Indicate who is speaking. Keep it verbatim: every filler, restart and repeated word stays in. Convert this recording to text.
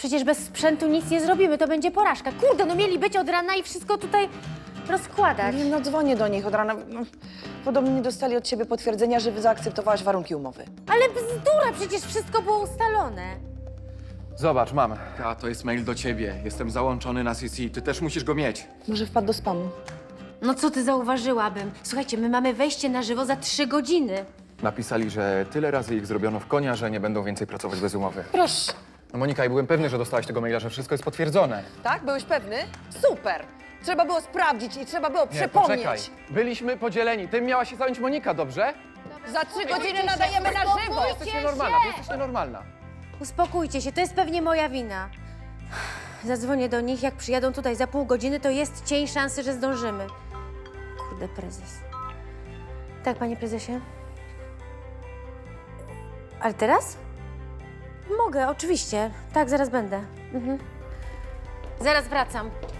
Speaker 1: Przecież bez sprzętu nic nie zrobimy, to będzie porażka. Kurde, no mieli być od rana i wszystko tutaj rozkładać.
Speaker 2: Nie, no dzwonię do nich od rana. No, podobno nie dostali od ciebie potwierdzenia, że zaakceptowałaś warunki umowy.
Speaker 1: Ale bzdura, przecież wszystko było ustalone.
Speaker 3: Zobacz, mam.
Speaker 4: A to jest mail do ciebie. Jestem załączony na C C. Ty też musisz go mieć.
Speaker 2: Może wpadł do spamu.
Speaker 1: No co ty zauważyłabym? Słuchajcie, my mamy wejście na żywo za trzy godziny.
Speaker 3: Napisali, że tyle razy ich zrobiono w konia, że nie będą więcej pracować bez umowy.
Speaker 2: Proszę.
Speaker 3: No Monika, ja byłem pewny, że dostałaś tego maila, że wszystko jest potwierdzone.
Speaker 2: Tak? Byłeś pewny? Super! Trzeba było sprawdzić i trzeba było
Speaker 3: Nie,
Speaker 2: przypomnieć.
Speaker 3: poczekaj. Byliśmy podzieleni. Tym miała się zająć Monika, dobrze?
Speaker 2: Za trzy godziny nadajemy na żywo!
Speaker 3: Ty jesteś nienormalna, ty jesteś nienormalna.
Speaker 1: Uspokójcie się, to jest pewnie moja wina. Zadzwonię do nich, jak przyjadą tutaj za pół godziny, to jest cień szansy, że zdążymy. Kurde, prezes. Tak, panie prezesie? Ale teraz? Mogę, oczywiście. Tak, zaraz będę. Mhm. Zaraz wracam.